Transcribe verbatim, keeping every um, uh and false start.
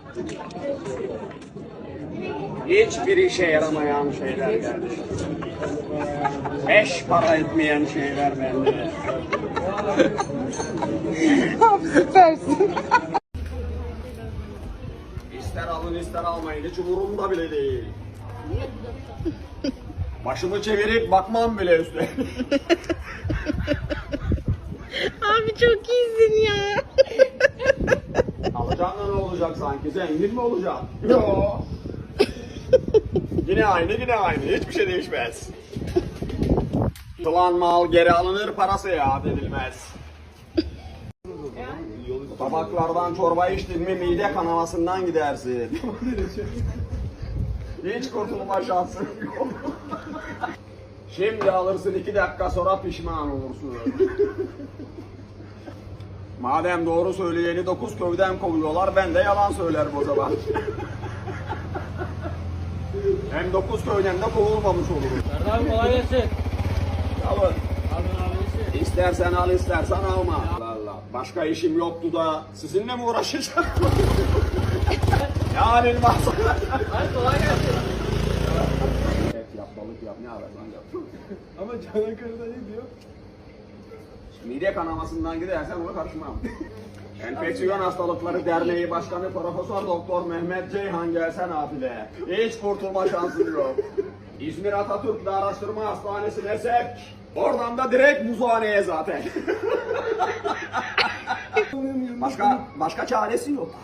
Hiçbir işe yaramayan şeyler geldi. Beş para etmeyen şeyler bende. Abi süpersin. İster alın ister almayın hiç umurumda bile değil. Başımı çevirip bakmam bile üstüne. Abi çok iyisin ya. Alacağın da ne olacak sanki? Zengin mi olacaksın? Yok. Yine aynı yine aynı. Hiçbir şey değişmez. Tulan mal geri alınır, parası iade edilmez. Tabaklardan çorba içtin mi mide kanamasından gidersin. Hiç kurtulma şansın yok. Şimdi alırsın iki dakika sonra pişman olursun. Madem doğru söyleyeni dokuz köyden kovuyorlar, ben de yalan söylerim o zaman. Hem dokuz köyden de kovulmamış olurum. Serdar kolay gelsin. Alın. Alın abisi. İstersen al, istersen alma. Allah Allah. Başka işim yoktu da sizinle mi uğraşacağım? Yani masa. Hadi kolay gelsin. Et yap, balık yap, ne ararsan yap. Ama Çanakkale'de ne diyor? Mide kanamasından gidersen ona karışmam. Enfeksiyon Hastalıkları Derneği Başkanı Profesör Doktor Mehmet Ceyhan gelse nafile. Hiç kurtulma şansın yok. İzmir Atatürk Araştırma Hastanesi'ne sevk. Oradan da direkt muzhaneye zaten. başka başka çaresi yok.